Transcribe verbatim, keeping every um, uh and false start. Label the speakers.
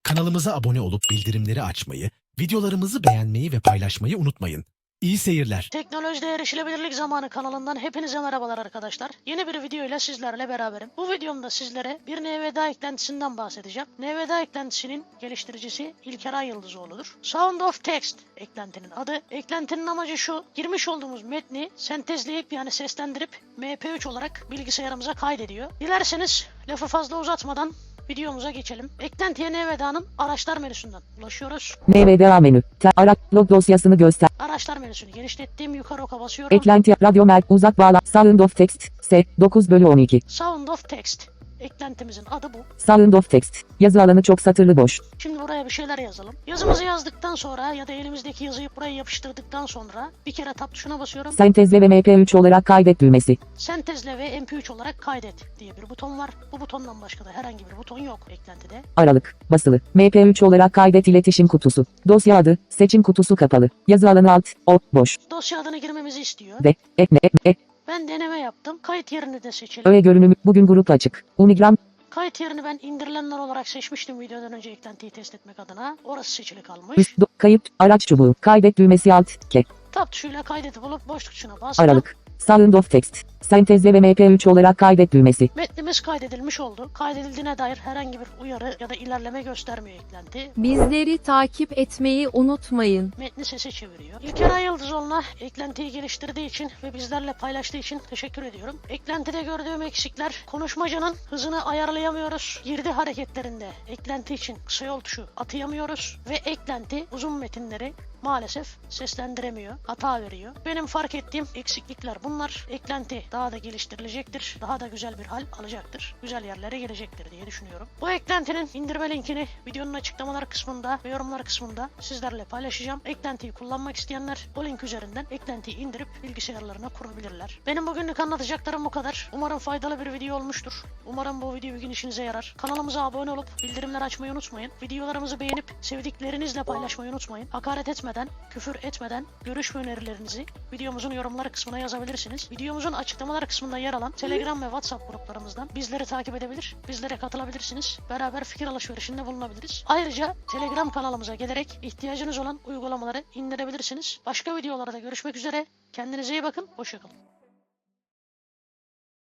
Speaker 1: Kanalımıza abone olup bildirimleri açmayı, videolarımızı beğenmeyi ve paylaşmayı unutmayın. İyi seyirler.
Speaker 2: Teknolojide Erişilebilirlik Zamanı kanalından hepinize merhabalar arkadaşlar. Yeni bir video ile sizlerle beraberim. Bu videomda sizlere bir N V D A eklentisinden bahsedeceğim. N V D A eklentisinin geliştiricisi İlker Ayıldızoğlu'dur. Sound of Text eklentinin adı. Eklentinin amacı şu: girmiş olduğumuz metni sentezleyip yani seslendirip M P üç olarak bilgisayarımıza kaydediyor. Dilerseniz lafı fazla uzatmadan videomuza geçelim. Eklentiye N V D A'nın araçlar menüsünden ulaşıyoruz.
Speaker 3: N V D A menü. Ta araç log dosyasını göster.
Speaker 2: Araçlar menüsünü genişlettiğim yukarı oka basıyorum.
Speaker 3: Eklenti radyo mer uzak bağla Sound of Text S dokuz bölü on iki.
Speaker 2: Sound of Text eklentimizin adı bu.
Speaker 3: Sound of Text yazı alanı çok satırlı boş.
Speaker 2: Şimdi buraya bir şeyler yazalım. Yazımızı yazdıktan sonra ya da elimizdeki yazıyı buraya yapıştırdıktan sonra bir kere tab tuşuna basıyorum.
Speaker 3: Sentezle ve M P üç olarak kaydet düğmesi.
Speaker 2: Sentezle ve M P üç olarak kaydet diye bir buton var. Bu butondan başka da herhangi bir buton yok eklentide.
Speaker 3: Aralık basılı. M P üç olarak kaydet iletişim kutusu. Dosya adı seçim kutusu kapalı. Yazı alanı alt o boş.
Speaker 2: Dosya adını girmemizi istiyor.
Speaker 3: D ekle ekle.
Speaker 2: Ben deneme yaptım. Kayıt yerini de seçelim.
Speaker 3: Öğe görünümü bugün grup açık. Unigram
Speaker 2: Kayıt yerini ben indirilenler olarak seçmiştim videodan önce eklentiyi test etmek adına. Orası seçili kalmış.
Speaker 3: üst do, kayıt araç çubuğu. Kaydet düğmesi alt ke.
Speaker 2: Tab tuşuyla kaydedip bulup boşluk tuşuna bastım.
Speaker 3: Aralık. Sound of Text. Sentezle ve M P üç olarak kaydet düğmesi.
Speaker 2: Metnimiz kaydedilmiş oldu. Kaydedildiğine dair herhangi bir uyarı ya da ilerleme göstermiyor eklenti.
Speaker 4: Bizleri takip etmeyi unutmayın.
Speaker 2: Metni sese çeviriyor. İlker Ayıldızoğlu'na eklentiyi geliştirdiği için ve bizlerle paylaştığı için teşekkür ediyorum. Eklentide gördüğüm eksikler: konuşmacının hızını ayarlayamıyoruz. Girdi hareketlerinde eklenti için kısa yol tuşu atayamıyoruz. Ve eklenti uzun metinleri maalesef seslendiremiyor. Hata veriyor. Benim fark ettiğim eksiklikler bunlar. Eklenti daha da geliştirilecektir. Daha da güzel bir hal alacaktır. Güzel yerlere gelecektir diye düşünüyorum. Bu eklentinin indirme linkini videonun açıklamalar kısmında ve yorumlar kısmında sizlerle paylaşacağım. Eklentiyi kullanmak isteyenler o link üzerinden eklentiyi indirip bilgisayarlarına kurabilirler. Benim bugünlük anlatacaklarım bu kadar. Umarım faydalı bir video olmuştur. Umarım bu video bir gün işinize yarar. Kanalımıza abone olup bildirimler açmayı unutmayın. Videolarımızı beğenip sevdiklerinizle paylaşmayı unutmayın. Hakaret etmeden, küfür etmeden görüş ve önerilerinizi videomuzun yorumları kısmına yazabilirsiniz. Videomuzun açıklamalar kısmında yer alan Telegram ve WhatsApp gruplarımızdan bizleri takip edebilir, bizlere katılabilirsiniz. Beraber fikir alışverişinde bulunabiliriz. Ayrıca Telegram kanalımıza gelerek ihtiyacınız olan uygulamaları indirebilirsiniz. Başka videolarda görüşmek üzere. Kendinize iyi bakın. Hoşça kalın.